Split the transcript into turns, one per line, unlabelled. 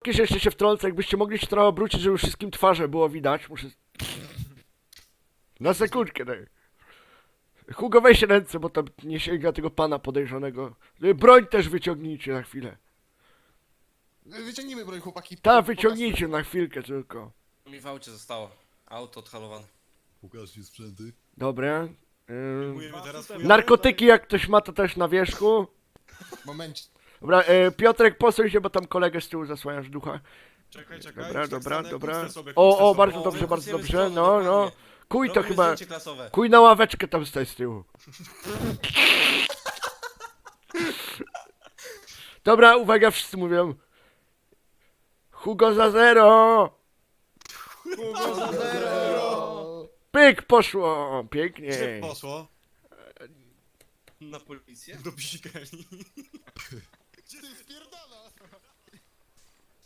że jeszcze się wtrącę, jakbyście mogli się trochę obrócić, żeby wszystkim twarze było widać, muszę... Na sekundkę, daj. Hugo, weź ręce, bo tam nie sięga tego pana podejrzanego. Broń też wyciągnijcie na chwilę.
Wyciągnijmy broń, chłopaki.
Tak, wyciągnijcie na chwilkę tylko.
Mi w aucie zostało. Auto odhalowane.
Pokaż mi sprzęty.
Dobra.
Mówimy teraz
Narkotyki jak ktoś ma to też na wierzchu.
Moment.
Dobra, Piotrek, posuń się, bo tam kolegę z tyłu zasłaniasz ducha.
Czekaj.
Dobra, dobra, dobra.
Puste sobie,
O,
puste sobie.
bardzo dobrze, bardzo
negocjujemy
dobrze.
strony,
No, no.
dokładnie.
Kuj to
Robimy
chyba...
zdjęcie klasowe.
Kuj na ławeczkę tam stoi z tyłu. Dobra, uwaga, wszyscy mówią. Hugo za 0!
Hugo za zero!
Pyk, poszło!
Gdzie
Pięknie.
poszło?
Na policję?
Do psikani. Gdzie to jest